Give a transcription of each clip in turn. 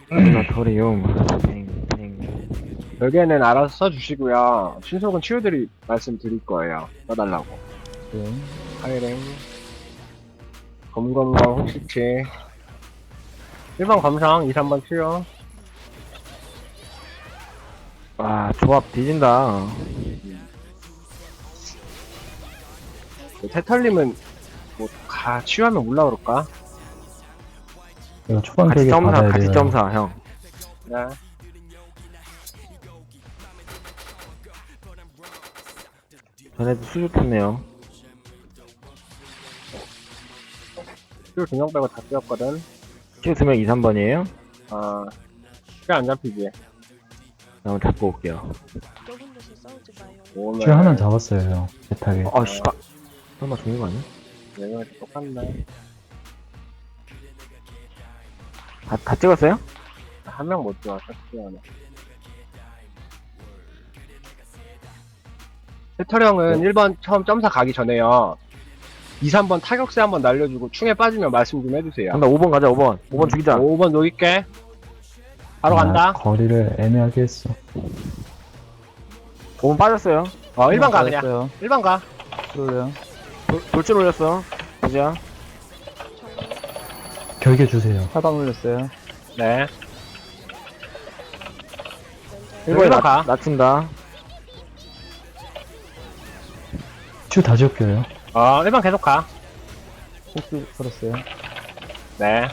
모라토리움. 팽팽. 별개는 알아서 써주시고요. 신속은 치유들이 말씀드릴 거예요. 써달라고. 네. 하이랭, 검검검, 혹시치. 1번 검상, 2, 3번 치유. 와, 조합 뒤진다. 태털님은 치유하면 올라 그럴까? 이거 초반 같이 격에 점사, 받아야 같이 돼요. 점사, 형. 네. 전에도 수줍했네요. 치유 2명 빼고 다 뛰었거든. 치우 2명 2, 3번이에요? 치유 안 잡히지. 한번 잡고 올게요. 좁은 데서 싸우지 마요. 오늘 줄 하나 잡았어요, 형. 대타게. 아, 씨발. 설마 죽는 거 아니야? 얘가 똑같네. 다 찍었어요? 한 명 못 들어왔어, 치유 하나. 태털형은 1번 처음 점사 가기 전에요. 2, 3번 타격세 한번 날려주고 충에 빠지면 말씀 좀 해주세요. 간다, 5번 가자, 5번. 5번 죽이자. 5번 녹일게. 바로 아, 간다. 거리를 애매하게 했어. 5번 빠졌어요. 1번 가, 그냥. 받았어요. 1번 가. 그래요. 돌진 올렸어. 보자. 결계 주세요. 사방 올렸어요. 네. 1번에 1번 가. 낮춘다. 줄 다 지웠겨요. 1번 계속 가. 호수 걸었어요. 네.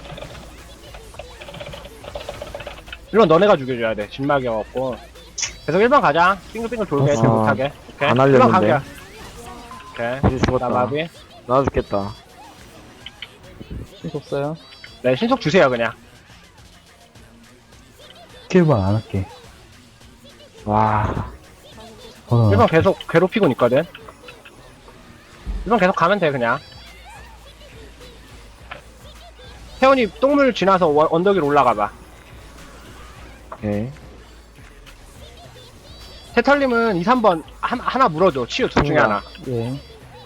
1번 너네가 죽여줘야 돼. 진막이어갖고. 계속 1번 가자. 빙글빙글 돌게. 아, 쟤 못하게. 오케이. 안 1번 하려는데. 가게. 오케이. 이제 죽었다. 나 마비. 나도 죽겠다. 신속 써요. 네, 신속 주세요, 그냥. 스킬반 안 할게. 와. 1번 계속 괴롭히고 있거든. 1번 계속 가면 돼, 그냥. 태원이 똥물 지나서 언덕 위로 올라가봐. 오케이. 태털님은 2, 3번 하나 물어줘. 치유 둘 중에 하나. 예.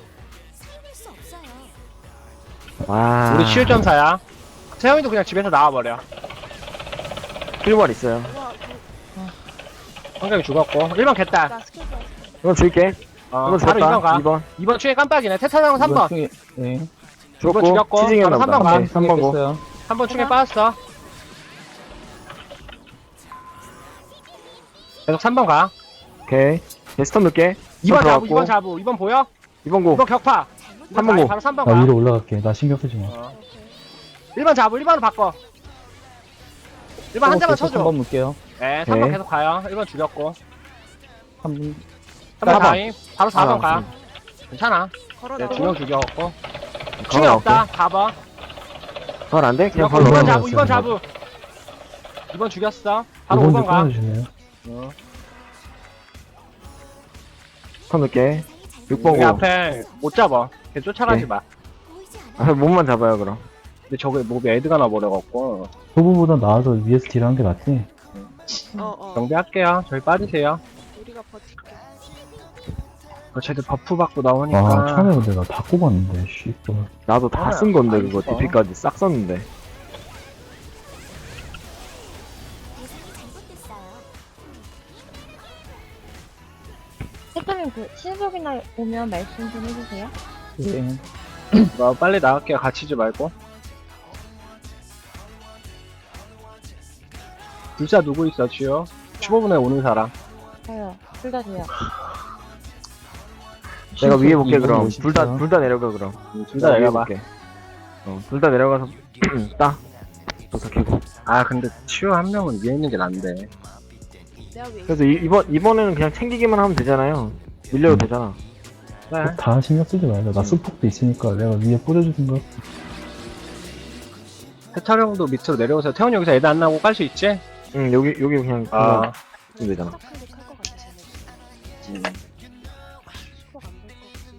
와. 우리 치유 점사야. 태원이도 그냥 집에서 나와버려. 필벌 있어요. 와, 성경이 죽었고. 1번 겠다. 나 스킬 좋아. 이건 줄게. 바로 이건 2번 죽었다. 가. 2번. 2번 추에 깜빡이네. 태털형은 3번. 네. 죽었고. 죽였고. 치징했나 바로 보다. 3번 가. 오케이, 3번 고. 3번 충에 빠졌어. 계속 3번 가. 오케이. 데스턴 넣을게. 2번 자부, 들어갔고. 2번 자부. 2번 보여? 2번 고. 2번 격파. 3번 고. 바로 3번 나 가. 위로 올라갈게. 나 신경 쓰지 마. 오케이. 1번 자부, 1번으로 바꿔. 1번 한 대만 쳐줘. 3번 물게요. 네, 오케이. 3번 계속 가요. 1번 죽였고. 3번. 3번 4번. 가임. 바로 4번 아, 가. 괜찮아. 걸어 네, 나와. 2명 죽였고. 충이 걸어 없다. 4번. 그건 안 돼? 그냥 죽였고. 걸로. 2번 걸어. 자부, 2번 자부. 2번 죽였어. 바로 5번 5번 가. 끊어주시네요. 턴 넣을게. 6번 여기 고. 앞에 못 잡아. 걔 쫓아가지 네. 마. 아, 몸만 잡아요, 그럼. 근데 저게 몹이 애드가 나버려갖고. 후보보다 나아서 위에서 딜하는 게 낫지. 정비할게요. 저희 빠지세요. 우리가 버틸게. 쟤들 버프 받고 아, 나오니까. 처음에 근데 나 다 꼽았는데, 씨. 나도 다 아, 쓴 건데, 안 그거. 죽어. DP까지 싹 썼는데. 대표님 그 신속이나 오면 말씀 좀 해주세요. 네. 빨리 나갈게요. 갇히지 말고. 불사 누구 있어, 지효? 15분에 오는 사람. 저요. 둘 다 돼요. 내가 위에 볼게, 이번 그럼. 오십시오. 둘 다 내려가, 그럼. 둘 다 위에 내려봐. 볼게. 둘 다 내려가서, 따. 도착해고. 아, 근데 치유 한 명은 위에 있는 게 난데. 내가 왜 그래서 이번에는 그냥 챙기기만 하면 되잖아요. 밀려도 되잖아. 네. 다 신경 쓰지 말자. 나 수폭도 있으니까 내가 위에 뿌려주는 거. 태철 형도 밑으로 내려오세요. 태원 여기서 애들 안 나고 깔 수 있지? 응, 여기 그냥, 아. 그냥 되잖아. 클릭할 것 같지. 음. 수박 안될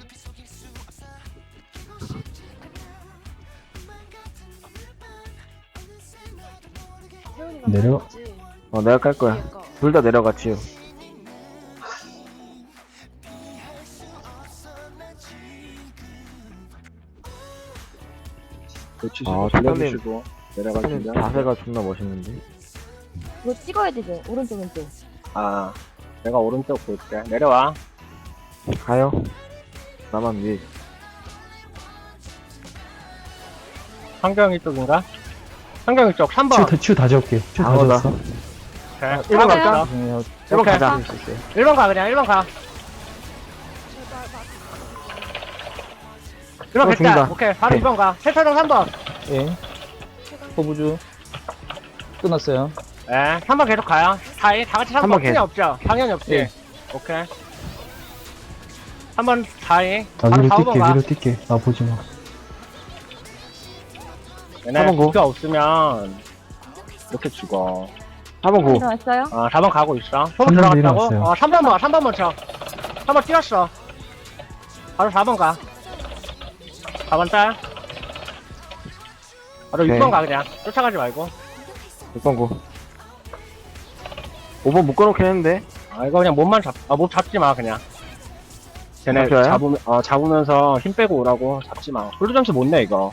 것 같지. 태훈이가 내려- 깔 거지? 내가 깔 거야. 위에 거. 둘 다 내려가, 치유. 놓치시고, 아, 돌려주시고, 내려가시면. 자세가 존나 멋있는데. 이거 찍어야 되죠? 오른쪽, 왼쪽. 아, 내가 오른쪽 볼게. 내려와. 가요. 나만 위에. 환경이 쪽인가? 환경이 쪽 3번. 치우 다 지울게. 치우 다 아, 나. 지웠어. 오케이. 1번 가요. 갈까? 죄송해요. 1번 오케이. 가자. 1번 가, 그냥 1번 가. 제발 막 1번 어, 됐다. 죽는다. 오케이, 바로 오케이. 2번 가. 세차장 3번. 예. 포부주. 끝났어요. 네, 3번 계속 가요. 다 같이 3번 3번 없지? 계속. 없죠? 당연히 없지? 예. 오케이. 3번 4위. 나 바로 위로 4번 뛸게, 가. 위로 뛸게. 나 보지 마. 얘네 4번 고. 기가 없으면 이렇게 죽어. 4번 고. 일어났어요? 4번 가고 있어. 소문 3번 들어갔다고? 일어났어요. 3번 봐, 3번 먼저. 3번 뛰었어. 바로 4번 가. 4번 딸. 바로 오케이. 6번 가, 그냥. 쫓아가지 말고. 6번 고. 5번 묶어놓긴 했는데. 이거 그냥 몸만 몸 잡지 마, 그냥. 쟤네 잡혀요? 잡으면서 힘 빼고 오라고 잡지 마. 홀드 점수 못 내, 이거.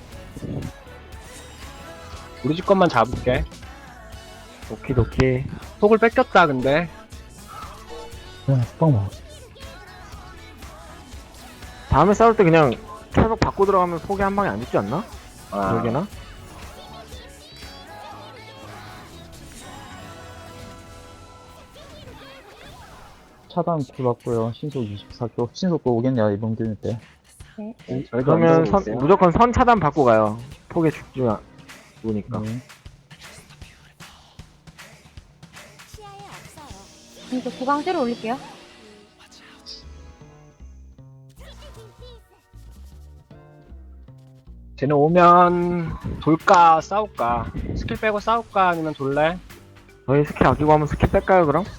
우리 집 것만 잡을게. 오키도키. 속을 뺏겼다, 근데. 그냥 빡 먹어. 다음에 싸울 때 그냥 철벽 받고 들어가면 속에 한 방에 안 죽지 않나? 아, 그러게나? 차단 쿨받고요. 신속 24교. 신속도 오겠네요, 이번 기회 때. 저희도 그러면 안 되고 있어요. 무조건 선 차단 받고 가요. 속에 죽지 않으니까. 네. 이거 구강 새로 올릴게요. 쟤네 오면 돌까 싸울까? 스킬 빼고 싸울까 아니면 돌래? 저희 스킬 아끼고 하면 스킬 뺄까요 그럼?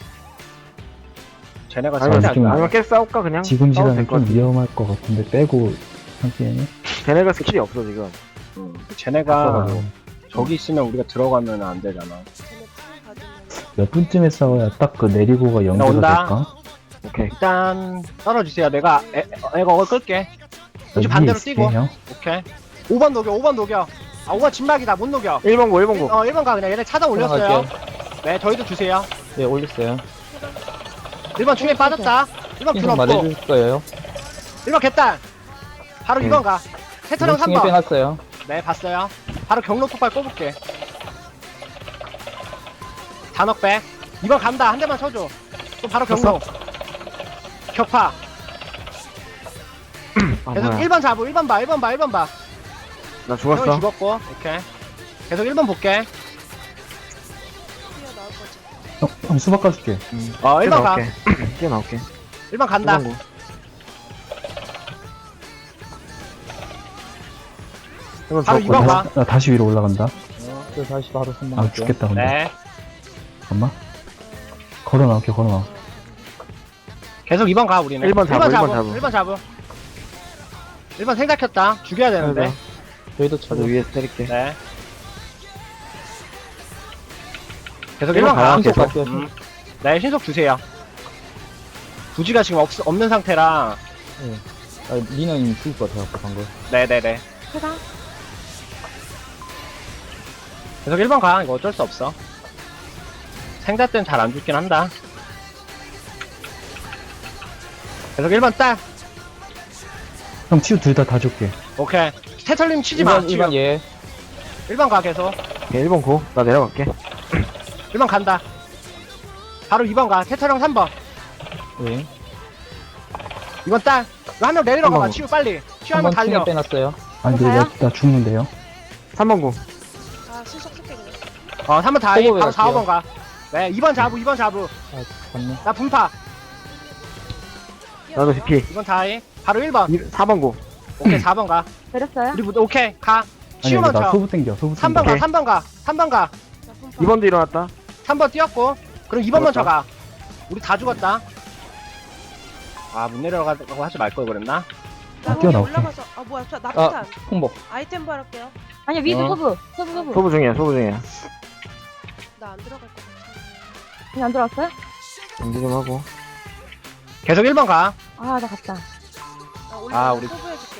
쟤네가 아니면, 절대 좀- 안 아니면 계속 싸울까 그냥? 지금 싸워도 시간은 될것 좀 같은데. 위험할 것 같은데, 빼고 하기에는. 쟤네가 스킬이 없어 지금. 쟤네가 없어가지고. 저기 있으면 우리가 들어가면 안 되잖아. 쟤네 풀 받으면 몇 분쯤에 싸워야 딱 그 내리고가 연계가 온다. 될까? 오케이. 일단 떨어지세요. 내가 애가 어글 끌게. 나 그치, 위에 반대로 있을게, 뛰고. 형. 오케이. 5번 녹여. 5번 녹여. 5번 진막이다. 못 녹여. 1번 고 1번 고. 1번 가 그냥. 얘네 차단 올렸어요. 올라갈게요. 네, 저희도 주세요. 예, 올렸어요. 1번 충에 빠졌다. 1번 균 신속 없고. 말해줄 거예요. 1번 개딸. 바로 네. 2번 가. 세차장 이번 층에 3번. 빼놨어요. 네, 봤어요. 바로 경로 폭발 꼽을게. 단억 백. 2번 간다. 한 대만 쳐줘. 또 바로 경로. 격파. 아 계속 뭐야. 1번 잡고 1번 봐. 1번 봐. 1번 봐. 나 형이 죽었어. 죽었고. 오케이. 계속 1번 볼게. 뛰어나올 거지. 형, 수박 까줄게. 1번 가. 뛰어나올게. 1번 간다. 1번 고. 1번 바로 죽었고. 2번 가. 나 다시 위로 올라간다. 그 다시 바로 선방 아, 할게요. 죽겠다, 근데. 네. 잠깐만. 걸어 나올게, 걸어 나와. 계속 2번 가 우리는. 1번 잡아, 1번 잡아. 1번 잡아. 1번 생각 켰다. 죽여야 되는데. 저희도 저도 차도 위에서 때릴게. 네. 계속 1번 1번 가. 가요. 신속 계속. 갈게요. 네, 신속 주세요. 부지가 지금 없는 상태라. 아, 리너님 죽을 것 같아요, 방금. 네네네. 구강. 계속 1번 가. 이거 어쩔 수 없어. 생자 때는 잘 안 죽긴 한다. 계속 1번 딸. 형, 치우 둘 다 줄게. 오케이. 태철님 치지 마. 1번, 1번 예. 1번 가 계속. 오케이, 1번 고. 나 내려갈게. 1번 간다. 바로 2번 가. 태철형 3번. 예. 2번 딸. 한 명 내리러 가봐. 3번. 치우 빨리. 치우 한명 3번 층에 달려. 빼놨어요. 아니, 근데 나 죽는데요? 3번 고. 아 실속 쓸게 그냥. 3번 다이. 호흡에 바로 4, 갈게요. 5번 가. 네, 2번 잡우. 2번 잡우. 아, 갔네. 나 분파. 나도 DP. 2번 다이. 바로 1번. 4번 고. 오케이, 4번 가. 내렸어요? 우리 오케이, 가. 아니, 치우만 나 쳐. 소부 땡겨, 소부 3번 땡겨. 가, 3번 가. 3번 가. 나 분파. 2번도 일어났다. 3번 뛰었고. 그럼 2번 먼저 죽었다. 가. 우리 다 죽었다. 아, 못 내려가고 하지 말 걸 그랬나? 나 위에 뛰어나올게. 올라가서 아 뭐야 나 아, 폭탄 홍보. 아이템 바랄게요. 아니야, 위도 어. 소부. 소부. 소부 중이야, 소부 중이야. 나 안 들어갈 것 같아. 그냥 안 들어왔어요? 정지 좀 하고. 계속 1번 가. 아, 나 갔다. 나 올라. 우리- 소부해줄게.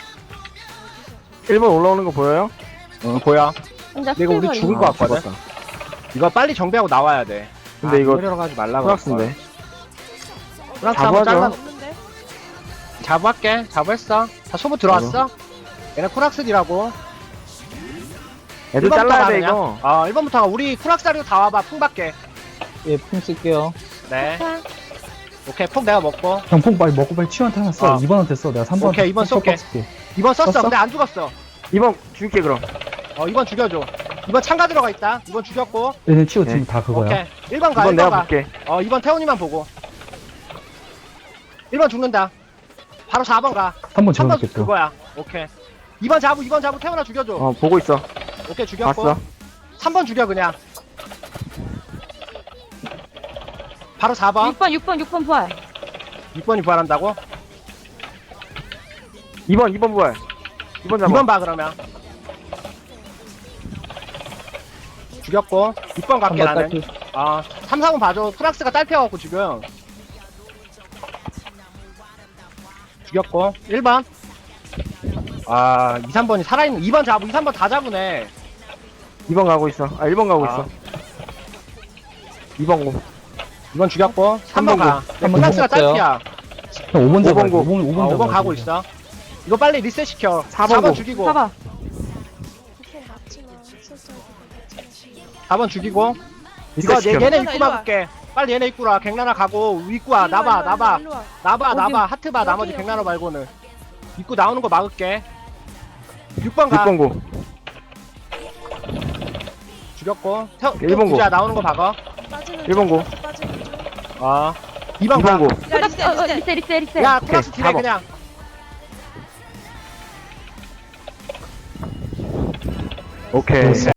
1번 올라오는 거 보여요? 응, 보여. 혼자 이거 우리 스킬버리. 죽을 것 같거든. 죽었다. 이거 빨리 정비하고 나와야 돼. 근데 이거 이러러 가지 말라고. 프락스인데. 프락스 한번 자부하죠. 잘라. 없는데? 자부할게. 자부했어. 다 소부 들어왔어? 얘네 쿠락스디라고. 애들 1번부터 잘라야 가, 돼, 그냥. 이거. 1번부터 우리 쿠락스디로 다 와봐. 풍 받게. 예, 품 쓸게요. 네. 오케이, 폭 내가 먹고. 형폭 빨리 먹고 빨리 치유한테 하나 써. 어. 2번한테 써. 내가 3번. 오케이, 2번 쏠게. 2번 썼어. 썼어? 근데 안 죽었어. 2번 줄게, 그럼. 2번 죽여줘. 2번 창가 들어가 있다. 2번 죽였고. 얘네 치유 지금 네. 다 그거야. 오케이. 1번 가, 2번 1번 내가 가. 볼게. 2번 태훈이만 보고. 1번 죽는다. 바로 4번 가. 3번 3번 지워놓게 또. 그거야. 오케이. 2번 자부 태훈아 죽여줘. 보고 있어. 오케이, 죽였고. 봤어. 3번 죽여, 그냥. 바로 4번. 6번 부활. 6번이 부활한다고? 2번 부활. 2번 잡아. 2번 봐, 그러면. 죽였고. 6번 갈게, 3번 나는. 딸피. 3, 4번 봐줘. 프락스가 딸피어갖고, 지금. 죽였고. 1번. 2, 3번이 살아있는. 2번 잡고, 2, 3번 다 잡으네. 2번 가고 있어. 1번 가고 아. 있어. 2번 고. 2번 죽였고. 3번 가. 한번 프락스가 죽었어요. 딸피야. 형 5번 잡아. 5번 고. 5번 5번 가고 있어. 이거 빨리 리셋 시켜. 4번 4번 고. 죽이고. 봐봐. 4번 죽이고. 리셋 이거 시켜. 얘네 일로 와, 입구 일로 와. 막을게. 빨리 얘네 입구라. 갱나나 가고. 입구 와. 나봐. 나봐. 하트 봐. 나머지 여기. 갱나나 말고는. 입구 나오는 거 막을게. 6번 가. 6번 고. 죽였고. 일번 고. 자 나오는 거 박아. 1번 고. 2번 2번 가. 고. 야 리셋. 리셋. 야, 플러스 오케이, 딜해 4번. 그냥. 오케이.